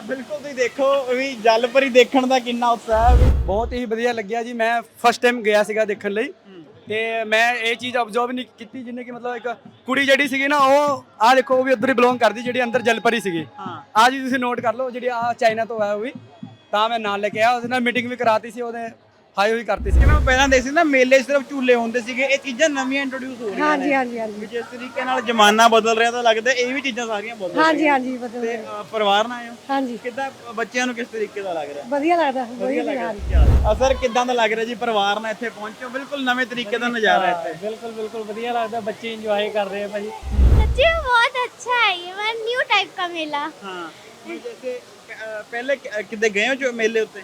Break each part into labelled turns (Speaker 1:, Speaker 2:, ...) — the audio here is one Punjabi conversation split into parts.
Speaker 1: ਬਿਲਕੁਲ ਤੁਸੀਂ ਦੇਖੋ ਵੀ ਜਲ ਪਰੀ ਦੇਖਣ ਦਾ ਕਿੰਨਾ ਉਤਸ਼ਾਹ ਹੈ ਵੀ।
Speaker 2: ਬਹੁਤ ਹੀ ਵਧੀਆ ਲੱਗਿਆ ਜੀ। ਮੈਂ ਫਸਟ ਟਾਈਮ ਗਿਆ ਸੀਗਾ ਦੇਖਣ ਲਈ ਤੇ ਮੈਂ ਇਹ ਚੀਜ਼ ਅਬਜ਼ਰਵ ਨਹੀਂ ਕੀਤੀ ਜਿੰਨੇ ਕਿ ਮਤਲਬ ਇੱਕ ਕੁੜੀ ਜਿਹੜੀ ਸੀਗੀ ਨਾ ਉਹ ਆਹ ਦੇਖੋ ਉਹ ਵੀ ਉੱਧਰ ਹੀ ਬਿਲੋਂਗ ਕਰਦੀ ਜਿਹੜੀ ਅੰਦਰ ਜਲਪਰੀ ਸੀਗੀ।
Speaker 1: ਹਾਂ
Speaker 2: ਆਹ ਜੀ ਤੁਸੀਂ ਨੋਟ ਕਰ ਲਓ ਜਿਹੜੀ ਆ ਚਾਈਨਾ ਤੋਂ ਆਇਆ ਉਹ ਵੀ ਤਾਂ ਮੈਂ ਨਾਲ ਲੈ ਕੇ ਆਇਆ ਉਹਦੇ ਨਾਲ ਮੀਟਿੰਗ ਵੀ ਕਰਾਤੀ ਸੀ ਉਹਨੇ ਹਾਈ ਹੋਈ ਕਰਤੀ ਸੀ।
Speaker 1: ਜਿਵੇਂ ਪਹਿਲਾਂ ਦੇਖ ਸੀ ਨਾ ਮੇਲੇ 'ਚ ਸਿਰਫ ਝੂਲੇ ਹੁੰਦੇ ਸੀਗੇ ਇਹ ਚੀਜ਼ਾਂ ਨਵੀਆਂ ਇੰਟਰੋਡਿਊਸ ਹੋ ਰਹੀਆਂ
Speaker 3: ਹਾਂਜੀ
Speaker 1: ਨੇ
Speaker 3: ਹਾਂਜੀ ਹਾਂਜੀ
Speaker 1: ਵੀ ਜਿਸ ਤਰੀਕੇ ਨਾਲ ਜ਼ਮਾਨਾ ਬਦਲ ਰਿਹਾ ਤਾਂ ਲੱਗਦਾ ਇਹ ਵੀ ਚੀਜ਼ਾਂ ਸਾਰੀਆਂ ਬਦਲ ਰਹੀਆਂ
Speaker 3: ਹਾਂਜੀ ਹਾਂਜੀ ਬਦਲ
Speaker 1: ਤੇ
Speaker 3: ਰਿਹਾ।
Speaker 1: ਪਰਿਵਾਰ ਨਾਲ ਆਏ ਹੋ
Speaker 3: ਹਾਂਜੀ
Speaker 1: ਕਿੱਦਾਂ ਬੱਚਿਆਂ ਨੂੰ ਕਿਸ ਤਰੀਕੇ ਦਾ ਲੱਗ ਰਿਹਾ
Speaker 3: ਵਧੀਆ ਲੱਗਦਾ
Speaker 1: ਵਧੀਆ ਲੱਗ
Speaker 3: ਹਾਂਜੀ
Speaker 1: ਰਿਹਾ ਅਸਰ ਕਿੱਦਾਂ ਦਾ ਲੱਗ ਰਿਹਾ ਜੀ ਪਰਿਵਾਰ ਨਾਲ ਇੱਥੇ ਪਹੁੰਚੋ ਬਿਲਕੁਲ ਨਵੇਂ ਤਰੀਕੇ ਦਾ ਨਜ਼ਾਰਾ ਇੱਥੇ
Speaker 2: ਬਿਲਕੁਲ ਬਿਲਕੁਲ ਵਧੀਆ ਲੱਗਦਾ ਬੱਚੇ ਇੰਜੋਏ ਕਰ ਰਹੇ ਆ ਭਾਜੀ।
Speaker 4: सच्ची में बहुत अच्छा है ये मतलब न्यू टाइप का मेला
Speaker 1: हाँ जैसे पहले कितने गए हो जो मेले होते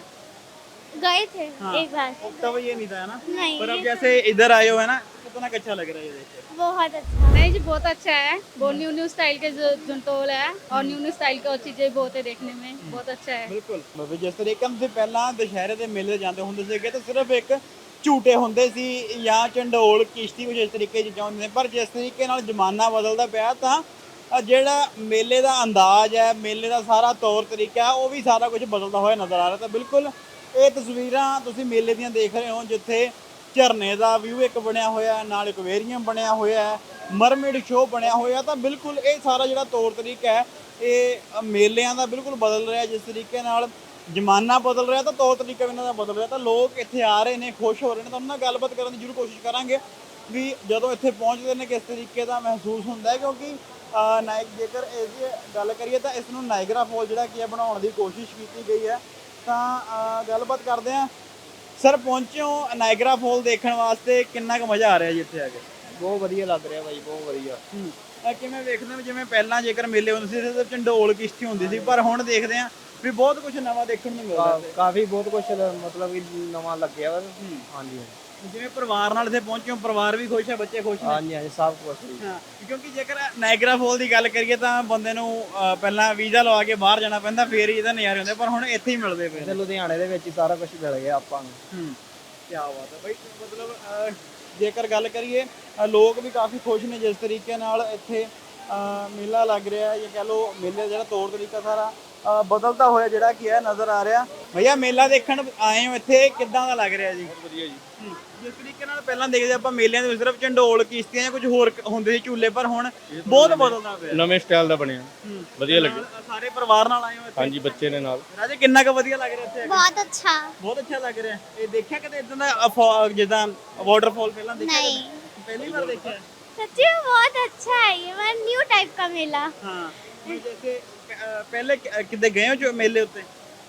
Speaker 4: गए थे
Speaker 1: हाँ।
Speaker 4: एक बार
Speaker 1: तब ये नहीं था ना
Speaker 4: नहीं
Speaker 1: पर अब
Speaker 4: ये
Speaker 1: जैसे इधर आए हो है ना कितना अच्छा लग रहा है ये देख के
Speaker 4: बहुत अच्छा
Speaker 5: नहीं जी बहुत अच्छा है बहुत न्यू न्यू स्टाइल के जो झुंटोल है और न्यू न्यू स्टाइल की और चीजें बहुत है देखने में बहुत अच्छा है।
Speaker 1: ਬਿਲਕੁਲ ਬਾਬੇ ਜਿਸ ਤਰੀਕੇ ਨਾਲ ਤੁਸੀਂ ਪਹਿਲਾਂ ਦੁਸ਼ਹਿਰੇ ਦੇ ਮੇਲੇ ਜਾਂਦੇ ਹੁੰਦੇ ਸੀਗੇ ਤਾਂ ਸਿਰਫ ਇੱਕ ਝੂਟੇ ਹੁੰਦੇ ਸੀ ਜਾਂ ਚੰਡੋਲ ਕਿਸ਼ਤੀ ਕੁਝ ਇਸ ਤਰੀਕੇ ਦੀ ਚੀਜ਼ਾਂ ਹੁੰਦੀਆਂ ਨੇ ਪਰ ਜਿਸ ਤਰੀਕੇ ਨਾਲ ਜ਼ਮਾਨਾ ਬਦਲਦਾ ਪਿਆ ਤਾਂ ਜਿਹੜਾ ਮੇਲੇ ਦਾ ਅੰਦਾਜ਼ ਹੈ ਮੇਲੇ ਦਾ ਸਾਰਾ ਤੌਰ ਤਰੀਕਾ ਹੈ ਉਹ ਵੀ ਸਾਰਾ ਕੁਝ ਬਦਲਦਾ ਹੋਇਆ ਨਜ਼ਰ ਆ ਰਿਹਾ ਤਾਂ ਬਿਲਕੁਲ ਇਹ ਤਸਵੀਰਾਂ ਤੁਸੀਂ ਮੇਲੇ ਦੀਆਂ ਦੇਖ ਰਹੇ ਹੋ ਜਿੱਥੇ ਝਰਨੇ ਦਾ ਵਿਊ ਇੱਕ ਬਣਿਆ ਹੋਇਆ ਹੈ ਨਾਲ ਇਕਵੇਰੀਅਮ ਬਣਿਆ ਹੋਇਆ ਹੈ ਮਰਮੇਡ ਸ਼ੋਅ ਬਣਿਆ ਹੋਇਆ ਤਾਂ ਬਿਲਕੁਲ ਇਹ ਸਾਰਾ ਜਿਹੜਾ ਤੌਰ ਤਰੀਕਾ ਹੈ ਇਹ ਮੇਲਿਆਂ ਦਾ ਬਿਲਕੁਲ ਬਦਲ ਰਿਹਾ ਜਿਸ ਤਰੀਕੇ ਨਾਲ ਜ਼ਮਾਨਾ ਬਦਲ ਰਿਹਾ ਤਾਂ ਤੌਰ ਤਰੀਕਾ ਵੀ ਇਹਨਾਂ ਦਾ ਬਦਲ ਰਿਹਾ ਤਾਂ ਲੋਕ ਇੱਥੇ ਆ ਰਹੇ ਨੇ ਖੁਸ਼ ਹੋ ਰਹੇ ਨੇ ਤਾਂ ਉਹਨਾਂ ਨਾਲ ਗੱਲਬਾਤ ਕਰਨ ਦੀ ਜ਼ਰੂਰ ਕੋਸ਼ਿਸ਼ ਕਰਾਂਗੇ ਵੀ ਜਦੋਂ ਇੱਥੇ ਪਹੁੰਚਦੇ ਨੇ ਕਿਸ ਤਰੀਕੇ ਦਾ ਮਹਿਸੂਸ ਹੁੰਦਾ ਹੈ ਕਿਉਂਕਿ ਜੇਕਰ ਇਸ ਦੀ ਗੱਲ ਕਰੀਏ ਤਾਂ ਇਸ ਨੂੰ ਨਾਇਗਰਾ ਫਾਲ ਜਿਹੜਾ ਕੀ ਹੈ ਬਣਾਉਣ ਦੀ ਕੋਸ਼ਿਸ਼ ਕੀਤੀ ਗਈ ਹੈ ਤਾਂ ਗੱਲਬਾਤ ਕਰਦੇ ਹਾਂ ਸਰ ਪਹੁੰਚੇ ਹੋ ਨਾਇਗਰਾ ਫਾਲ ਦੇਖਣ ਵਾਸਤੇ ਕਿੰਨਾ ਕੁ ਮਜ਼ਾ ਆ ਰਿਹਾ ਜੀ ਇੱਥੇ ਆ ਕੇ
Speaker 2: ਬਹੁਤ ਵਧੀਆ ਲੱਗ ਰਿਹਾ ਭਾਈ ਬਹੁਤ ਵਧੀਆ।
Speaker 1: ਕਿਵੇਂ ਵੇਖਦੇ ਹੋ ਜਿਵੇਂ ਪਹਿਲਾਂ ਜੇਕਰ ਮੇਲੇ ਹੁੰਦੇ ਸੀ ਸਿਰਫ ਚੰਡੋਲ ਕਿਸ਼ਤੀ ਹੁੰਦੀ ਸੀ ਪਰ ਹੁਣ ਦੇਖਦੇ ਹਾਂ ਵੀ ਬਹੁਤ ਕੁਝ ਨਵਾਂ ਦੇਖਣ ਨੂੰ ਮਿਲਦਾ ਹੈ
Speaker 2: ਕਾਫੀ ਬਹੁਤ ਕੁਝ ਮਤਲਬ ਕਿ ਨਵਾਂ ਲੱਗਿਆ ਵਾ। ਹਾਂਜੀ
Speaker 1: ਜਿਵੇਂ ਪਰਿਵਾਰ ਨਾਲ ਇੱਥੇ ਪਹੁੰਚੇ ਹੋ ਪਰਿਵਾਰ ਵੀ ਖੁਸ਼ ਹੈ ਬੱਚੇ ਖੁਸ਼ ਨੇ
Speaker 2: ਹਾਂਜੀ ਹਾਂਜੀ ਸਭ ਕੁਝ।
Speaker 1: ਹਾਂ ਕਿਉਂਕਿ ਜੇਕਰ ਨਾਇਗਰਾ ਫਾਲ ਦੀ ਗੱਲ ਕਰੀਏ ਤਾਂ ਬੰਦੇ ਨੂੰ ਪਹਿਲਾਂ ਵੀਜ਼ਾ ਲਵਾ ਕੇ ਬਾਹਰ ਜਾਣਾ ਪੈਂਦਾ ਫੇਰ ਹੀ ਇਹਦਾ ਨਜ਼ਾਰੇ ਹੁੰਦੇ ਪਰ ਹੁਣ ਇੱਥੇ ਹੀ ਮਿਲਦੇ ਪਏ
Speaker 2: ਤੇ ਲੁਧਿਆਣੇ ਦੇ ਵਿੱਚ ਹੀ ਸਾਰਾ ਕੁਝ ਮਿਲ ਗਿਆ ਆਪਾਂ ਨੂੰ।
Speaker 1: ਕੀ ਬਾਤ ਹੈ ਬਈ ਮਤਲਬ ਜੇਕਰ ਗੱਲ ਕਰੀਏ ਲੋਕ ਵੀ ਕਾਫੀ ਖੁਸ਼ ਨੇ ਜਿਸ ਤਰੀਕੇ ਨਾਲ ਇੱਥੇ ਮੇਲਾ ਲੱਗ ਰਿਹਾ ਜਾਂ ਕਹਿ ਲਓ ਮੇਲੇ ਦਾ ਜਿਹੜਾ ਤੌਰ ਤਰੀਕਾ ਸਾਰਾ ਬਦਲਦਾ ਹੋਇਆ ਜਿਹੜਾ ਕੀ ਹੈ ਨਜ਼ਰ ਆ ਰਿਹਾ। ਭਈਆ ਮੇਲਾ ਦੇਖਣ ਆਏ ਹੋ ਇੱਥੇ ਕਿੱਦਾਂ ਦਾ ਲੱਗ ਰਿਹਾ ਜੀ?
Speaker 2: ਵਧੀਆ ਜੀ।
Speaker 1: ਜਿਸ ਤਰੀਕੇ ਨਾਲ ਪਹਿਲਾਂ ਦੇਖਦੇ ਆਪਾਂ ਮੇਲਿਆਂ ਦੇ ਵਿੱਚ ਸਿਰਫ ਚੰਡੋਲ ਕਿਸ਼ਤੀਆਂ ਜਾਂ ਕੁਝ ਹੋਰ ਹੁੰਦੇ ਸੀ ਝੂਲੇ ਪਰ ਹੁਣ ਬਹੁਤ ਬਦਲਦਾ ਪਿਆ
Speaker 6: ਨਵੇਂ ਸਟਾਈਲ ਦਾ ਬਣਿਆ ਵਧੀਆ ਲੱਗਿਆ।
Speaker 1: ਸਾਰੇ ਪਰਿਵਾਰ ਨਾਲ ਆਏ ਹੋ ਇੱਥੇ?
Speaker 6: ਹਾਂਜੀ ਬੱਚੇ ਨੇ ਨਾਲ।
Speaker 1: ਰਾਜੇ ਕਿੰਨਾ ਕੁ ਵਧੀਆ ਲੱਗ ਰਿਹਾ ਇੱਥੇ ਆ ਕੇ?
Speaker 4: बहुत अच्छा
Speaker 1: ਬਹੁਤ ਅੱਛਾ ਲੱਗ ਰਿਹਾ। ਇਹ ਦੇਖਿਆ ਕਦੇ ਇਦਾਂ ਦਾ ਜਿੱਦਾਂ ਵਾਟਰਫਾਲ ਪਹਿਲਾਂ ਦੇਖਿਆ
Speaker 4: नहीं
Speaker 1: ਕਦੇ? ਪਹਿਲੀ ਵਾਰ ਦੇਖਿਆ?
Speaker 4: सच्ची में बहुत अच्छा है ये मतलब न्यू टाइप का मेला
Speaker 1: हाँ जैसे पहले कितने गए हो जो मेले होते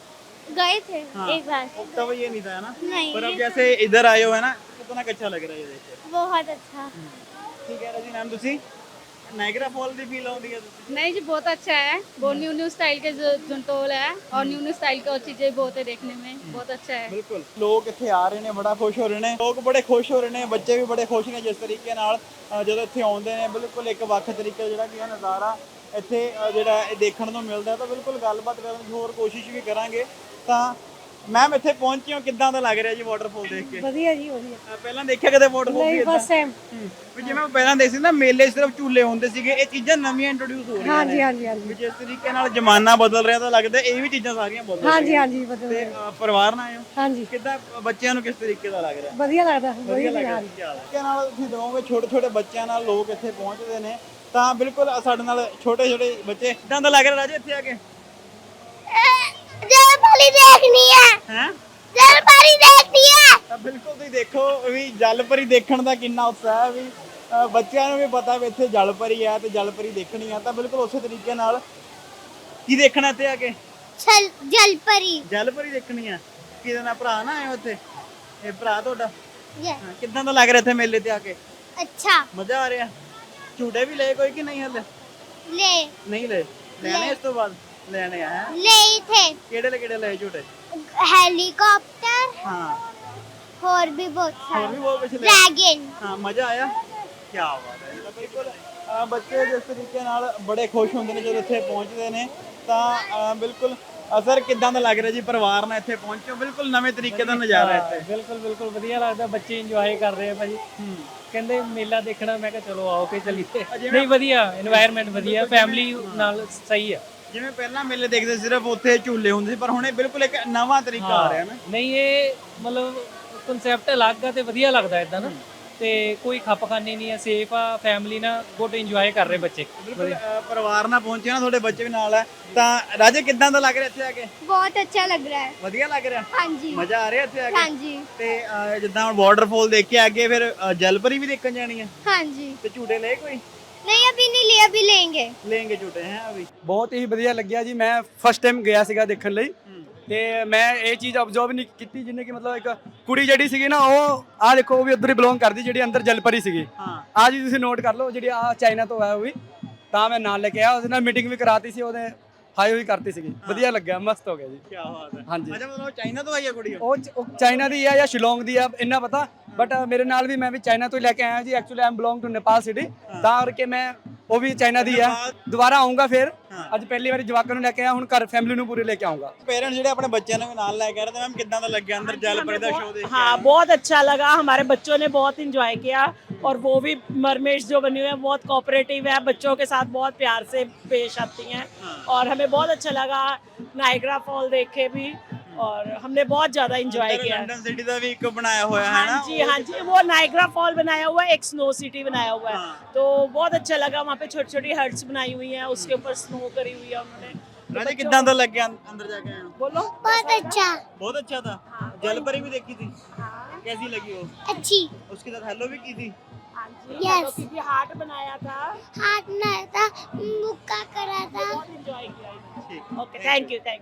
Speaker 4: गए थे
Speaker 1: हाँ।
Speaker 4: एक बार
Speaker 1: तब ये नहीं था ना
Speaker 4: नहीं
Speaker 1: पर अब
Speaker 4: ये
Speaker 1: जैसे इधर आए हो है ना कितना अच्छा लग रहा है ये देख के
Speaker 4: बहुत अच्छा
Speaker 1: ठीक है राजी मैम ਤੁਸੀਂ ਨਾਇਗਰਾ ਫਾਲ ਦੀ ਫੀਲ ਆਉਂਦੀ ਹੈ ਤੁਸੀਂ?
Speaker 5: नहीं जी बहुत अच्छा है बहुत न्यू न्यू स्टाइल के जो झुंटोल है और न्यू न्यू स्टाइल की और चीजें बहुत है देखने में बहुत अच्छा है।
Speaker 1: ਬਿਲਕੁਲ ਲੋਕ ਇੱਥੇ ਆ ਰਹੇ ਨੇ ਬੜਾ ਖੁਸ਼ ਹੋ ਰਹੇ ਨੇ ਲੋਕ ਬੜੇ ਖੁਸ਼ ਹੋ ਰਹੇ ਨੇ ਬੱਚੇ ਵੀ ਬੜੇ ਖੁਸ਼ ਨੇ ਜਿਸ ਤਰੀਕੇ ਨਾਲ ਜਦੋਂ ਇੱਥੇ ਆਉਂਦੇ ਨੇ ਬਿਲਕੁਲ ਇੱਕ ਵੱਖ ਤਰੀਕੇ ਜਿਹੜਾ ਕੀ ਹੈ ਨਜ਼ਾਰਾ ਇੱਥੇ ਜਿਹੜਾ ਇਹ ਦੇਖਣ ਨੂੰ ਮਿਲਦਾ ਤਾਂ ਬਿਲਕੁਲ ਗੱਲਬਾਤ ਕਰਨ ਦੀ ਹੋਰ ਕੋਸ਼ਿਸ਼ ਵੀ ਕਰਾਂਗੇ ਤਾਂ ਮੈਮ ਇੱਥੇ ਪਹੁੰਚੇ ਹੋ ਕਿੱਦਾਂ ਦਾ ਲੱਗ ਰਿਹਾ ਜੀ ਵਾਟਰਫਾਲ ਦੇਖ ਕੇ?
Speaker 3: ਵਧੀਆ ਜੀ ਵਧੀਆ।
Speaker 1: ਪਹਿਲਾਂ ਦੇਖਿਆ ਕਦੇ ਵਾਟਰਫਾਲ
Speaker 3: ਨਹੀਂ ਫਸਟ ਟਾਈਮ।
Speaker 1: ਵੀ ਜਿਵੇਂ ਪਹਿਲਾਂ ਦੇਖ ਸੀ ਨਾ ਮੇਲੇ 'ਚ ਸਿਰਫ ਝੂਲੇ ਹੁੰਦੇ ਸੀਗੇ ਇਹ ਚੀਜ਼ਾਂ ਨਵੀਆਂ ਇੰਟਰੋਡਿਊਸ ਹੋ ਰਹੀਆਂ
Speaker 3: ਹਾਂਜੀ
Speaker 1: ਨੇ
Speaker 3: ਹਾਂਜੀ ਹਾਂਜੀ
Speaker 1: ਵੀ ਜਿਸ ਤਰੀਕੇ ਨਾਲ ਜ਼ਮਾਨਾ ਬਦਲ ਰਿਹਾ ਤਾਂ ਲੱਗਦਾ ਇਹ ਵੀ ਚੀਜ਼ਾਂ ਸਾਰੀਆਂ ਬਦਲ ਰਹੀਆਂ
Speaker 3: ਹਾਂਜੀ ਹਾਂਜੀ ਬਦਲ
Speaker 1: ਤੇ
Speaker 3: ਰਿਹਾ।
Speaker 1: ਪਰਿਵਾਰ ਨਾਲ ਆਏ ਹੋ
Speaker 3: ਹਾਂਜੀ
Speaker 1: ਕਿੱਦਾਂ ਬੱਚਿਆਂ ਨੂੰ ਕਿਸ ਤਰੀਕੇ ਦਾ ਲੱਗ ਰਿਹਾ?
Speaker 3: ਵਧੀਆ ਲੱਗਦਾ
Speaker 1: ਵਧੀਆ ਲੱਗ
Speaker 3: ਵਧੀਆ।
Speaker 1: ਰਿਹਾ ਤਰੀਕੇ ਨਾਲ ਤੁਸੀਂ ਦਿਖੋਗੇ ਛੋਟੇ ਛੋਟੇ ਬੱਚਿਆਂ ਨਾਲ ਲੋਕ ਇੱਥੇ ਪਹੁੰਚਦੇ ਨੇ ਤਾਂ ਬਿਲਕੁਲ ਸਾਡੇ ਨਾਲ ਛੋਟੇ ਛੋਟੇ ਬੱਚੇ ਕਿੱਦਾਂ ਦਾ ਲੱਗ ਰਿਹਾ ਰਾਜੇ ਇੱਥੇ ਆ ਕੇ?
Speaker 4: जलपरी देखनी है
Speaker 1: ਹੈ
Speaker 4: जलपरी देखनी है
Speaker 1: ਤਾਂ ਬਿਲਕੁਲ ਤੁਸੀਂ ਦੇਖੋ ਵੀ ਜਲ ਪਰੀ ਦੇਖਣ ਦਾ ਕਿੰਨਾ ਉਤਸ਼ਾਹ ਹੈ ਵੀ ਬੱਚਿਆਂ ਨੂੰ ਵੀ ਪਤਾ ਵੀ ਇੱਥੇ ਜਲ ਪਰੀ ਹੈ ਤੇ ਜਲ ਪਰੀ ਦੇਖਣੀ ਆ ਤਾਂ ਬਿਲਕੁਲ ਉਸੇ ਤਰੀਕੇ ਨਾਲ ਕੀ ਦੇਖਣਾ ਇੱਥੇ ਆ ਕੇ?
Speaker 4: जलपरी
Speaker 1: ਜਲ ਪਰੀ ਦੇਖਣੀ ਆ। ਕਿਹਦੇ ਨਾਲ ਭਰਾ ਨਾ ਆਏ ਹੋ ਇੱਥੇ? ਇਹ ਭਰਾ ਤੁਹਾਡਾ?
Speaker 4: ये
Speaker 1: ਹਾਂ, ਕਿੱਦਾਂ ਦਾ ਲੱਗ ਰਿਹਾ ਇੱਥੇ ਮੇਲੇ ਤੇ ਆ ਕੇ?
Speaker 4: अच्छा
Speaker 1: ਮਜ਼ਾ ਆ ਰਿਹਾ? ਝੂਟੇ ਵੀ ਲਏ ਕੋਈ ਕਿ ਨਹੀਂ ਹਲੇ?
Speaker 4: ले
Speaker 1: ਨਹੀਂ ਲਏ ਲੈਣੇ ਇਸ ਤੋਂ ਬਾਅਦ ਲੈਣੇ ਆ ਹੈਂ?
Speaker 4: ले थे
Speaker 1: ਕਿਹੜੇ ਲਏ ਝੂਟੇ?
Speaker 4: हेलीकॉप्टर
Speaker 1: ਹਾਂ
Speaker 4: और भी बहुत
Speaker 1: ਹੋਰ ਵੀ
Speaker 4: सारे
Speaker 1: ਬਹੁਤ ਕੁਝ ਲਏ
Speaker 4: ड्रैगन
Speaker 1: ਹਾਂ ਮਜ਼ਾ ਆਇਆ ਕੀ ਬਾਤ ਹੈ ਤਾਂ ਬਿਲਕੁਲ ਬੱਚੇ ਜਿਸ ਤਰੀਕੇ ਨਾਲ ਬੜੇ ਖੁਸ਼ ਹੁੰਦੇ ਨੇ ਜਦੋਂ ਇੱਥੇ ਪਹੁੰਚਦੇ ਨੇ ਤਾਂ ਬਿਲਕੁਲ ਅਸਰ ਕਿੱਦਾਂ ਦਾ ਲੱਗ ਰਿਹਾ ਜੀ ਪਰਿਵਾਰ ਨਾਲ ਇੱਥੇ ਪਹੁੰਚੋ ਬਿਲਕੁਲ ਨਵੇਂ ਤਰੀਕੇ ਦਾ ਨਜ਼ਾਰਾ ਇੱਥੇ
Speaker 2: ਬਿਲਕੁਲ ਬਿਲਕੁਲ ਵਧੀਆ ਲੱਗਦਾ ਬੱਚੇ ਇੰਜੋਏ ਕਰ ਰਹੇ ਆ ਭਾਜੀ। ਕਹਿੰਦੇ ਮੇਲਾ ਦੇਖਣਾ ਮੈਂ ਕਿਹਾ ਚਲੋ ਆਓ ਕੇ ਚੱਲੀਏ। ਨਹੀਂ ਵਧੀਆ এনवायरमेंट ਵਧੀਆ ਫੈਮਿਲੀ ਨਾਲ ਸਹੀ ਆ।
Speaker 1: ਜਿਵੇਂ ਪਹਿਲਾਂ ਮੇਲੇ ਦੇਖਦੇ ਸਿਰਫ ਉੱਥੇ ਝੂਲੇ ਹੁੰਦੇ ਸੀ, ਪਰ ਹੁਣ ਇਹ ਬਿਲਕੁਲ ਇੱਕ ਨਵਾਂ ਤਰੀਕਾ ਆ ਰਿਹਾ ਨਾ।
Speaker 3: ਨਹੀਂ ਇਹ ਮਤਲਬ ਕਨਸੈਪਟ ਅਲੱਗ ਆ ਤੇ ਵਧੀਆ ਲੱਗਦਾ ਇਦਾਂ ਨਾ, ਤੇ ਕੋਈ ਖੱਪਖਾਨੀ ਨਹੀਂ ਹੈ, ਸੇਫ ਆ, ਫੈਮਿਲੀ ਨਾਲ ਗੁੱਡ ਇੰਜੋਏ ਕਰ ਰਹੇ ਬੱਚੇ।
Speaker 1: ਬਿਲਕੁਲ ਪਰਿਵਾਰ ਨਾਲ ਪਹੁੰਚੇ ਨਾ, ਤੁਹਾਡੇ ਬੱਚੇ ਵੀ ਨਾਲ ਹੈ, ਤਾਂ ਰਾਜੇ ਕਿੱਦਾਂ ਦਾ ਲੱਗ ਰਿਹਾ ਇੱਥੇ ਆ ਕੇ?
Speaker 4: बहुत अच्छा लग रहा है।
Speaker 1: ਵਧੀਆ ਲੱਗ ਰਿਹਾ,
Speaker 4: हाँ जी
Speaker 1: ਮਜ਼ਾ ਆ ਰਿਹਾ ਇੱਥੇ ਆ
Speaker 4: हाँ
Speaker 1: ਕੇ?
Speaker 4: जी
Speaker 1: ਤੇ ਜਿੱਦਾਂ ਹੁਣ ਵਾਟਰਫਾਲ ਦੇਖ ਕੇ ਅੱਗੇ ਫਿਰ ਜਲਪਰੀ ਵੀ ਦੇਖਣ ਜਾਣੀ ਹੈ,
Speaker 4: हाँ जी।
Speaker 1: ਤੇ ਝੂਟੇ ਲਏ ਕੋਈ?
Speaker 4: नहीं अभी नहीं लिए, अभी लेंगे।
Speaker 1: ਲੈਂਗੇ ਝੂਟੇ ਹੈ ਅਭੀ।
Speaker 2: ਬਹੁਤ ਹੀ ਵਧੀਆ ਲੱਗਿਆ ਜੀ। ਮੈਂ ਫਸਟ ਟਾਈਮ ਗਿਆ ਸੀਗਾ ਦੇਖਣ ਲਈ, ਤੇ ਮੈਂ ਇਹ ਚੀਜ਼ ਅਬਜ਼ਰਵ ਨਹੀਂ ਕੀਤੀ ਜਿੰਨੇ ਕਿ ਮਤਲਬ ਇੱਕ ਕੁੜੀ ਜਿਹੜੀ ਸੀਗੀ ਨਾ, ਉਹ ਆਹ ਦੇਖੋ ਉਹ ਵੀ ਉੱਧਰ ਹੀ ਬਿਲੋਂਗ ਕਰਦੀ ਜਿਹੜੀ ਅੰਦਰ ਜਲਪਰੀ ਸੀਗੀ।
Speaker 1: ਹਾਂ
Speaker 2: ਆਹ ਜੀ ਤੁਸੀਂ ਨੋਟ ਕਰ ਲਓ, ਜਿਹੜੀ ਆਹ ਚਾਈਨਾ ਤੋਂ ਆਇਆ ਉਹ ਵੀ, ਤਾਂ ਮੈਂ ਨਾਲ ਲੈ ਕੇ ਆਇਆ, ਉਹਦੇ ਨਾਲ ਮੀਟਿੰਗ ਵੀ ਕਰਾਤੀ ਸੀ, ਉਹਨੇ ਹਾਈ ਹੋਈ ਕਰਤੀ ਸੀਗੀ, ਵਧੀਆ ਲੱਗਿਆ, ਮਸਤ ਹੋ ਗਿਆ ਜੀ।
Speaker 1: ਕੀ ਬਾਤ ਹੈ।
Speaker 2: ਹਾਂਜੀ।
Speaker 1: ਅੱਛਾ ਮਤਲਬ ਚਾਈਨਾ ਤੋਂ ਆਈ ਹੈ ਕੁੜੀ?
Speaker 2: ਉਹ ਚਾਈਨਾ ਦੀ ਆ ਜਾਂ ਸ਼ਿਲੋਂਗ ਦੀ ਆ ਇੰਨਾ ਪਤਾ, ਬਟ ਮੇਰੇ ਨਾਲ ਵੀ ਮੈਂ ਵੀ ਚਾਈਨਾ ਤੋਂ ਹੀ ਲੈ ਕੇ ਆਇਆ ਜੀ। Actually I'm belong to Nepal city, ਤਾਂ ਕਰਕੇ ਮੈਂ ਉਹ ਵੀ ਚਾਈਨਾ ਦੀ ਆ। ਦੁਬਾਰਾ ਆਉਂਗਾ ਫਿਰ, ਅੱਜ ਪਹਿਲੀ ਵਾਰੀ ਜਵਾਕਾਂ ਨੂੰ ਲੈ ਕੇ ਆਇਆ, ਹੁਣ ਘਰ ਫੈਮਿਲੀ ਨੂੰ ਪੂਰੇ ਲੈ ਕੇ ਆਉਂਗਾ।
Speaker 1: ਪੇਰੈਂਟਸ ਜਿਹੜੇ ਆਪਣੇ ਬੱਚਿਆਂ ਨੂੰ ਵੀ ਨਾਲ ਲੈ ਕੇ ਆ ਰਹੇ, ਤਾਂ ਮੈਮ ਕਿੱਦਾਂ ਦਾ ਲੱਗਿਆ ਅੰਦਰ ਜਲਪਰੀ ਦਾ ਸ਼ੋਅ देख के?
Speaker 7: हाँ बहुत अच्छा लगा, हमारे बच्चों ने बहुत इंजॉय किया, और वो भी मरमेड्स जो बनी हुई है बहुत कोऑपरेटिव है, बच्चों के साथ बहुत प्यार से पेश आती हैं, और हमें बहुत अच्छा लगा नायग्रा फॉल देख के भी, और हमने बहुत ज्यादा इंजॉय किया।
Speaker 1: लंदन सिटी ਦਾ ਵੀ ਇੱਕ ਬਣਾਇਆ ਹੋਇਆ है ना?
Speaker 7: हाँ जी, वो नायग्रा फॉल बनाया हुआ है, एक स्नो सिटी बनाया हुआ है, तो बहुत अच्छा लगा। वहाँ पे छोटी छोटी हट्स बनाई हुई हैं, उसके ऊपर स्नो करी हुई है उन्होंने।
Speaker 1: राजे कितना ਦਾ ਲੱਗਿਆ अंदर जाके आए हो?
Speaker 7: बोलो।
Speaker 4: बहुत अच्छा।
Speaker 1: बहुत अच्छा था। जलपरी भी देखी थी, कैसी लगी वो?
Speaker 4: अच्छी।
Speaker 1: उसके साथ हेलो भी की थी?
Speaker 7: हाँ जी,
Speaker 4: Yes.
Speaker 7: क्योंकि हार्ट बनाया था,
Speaker 4: हाथ में था, मुक्का करा था।
Speaker 7: बहुत इंजॉय किया।
Speaker 1: ठीक।
Speaker 7: Okay, thank you.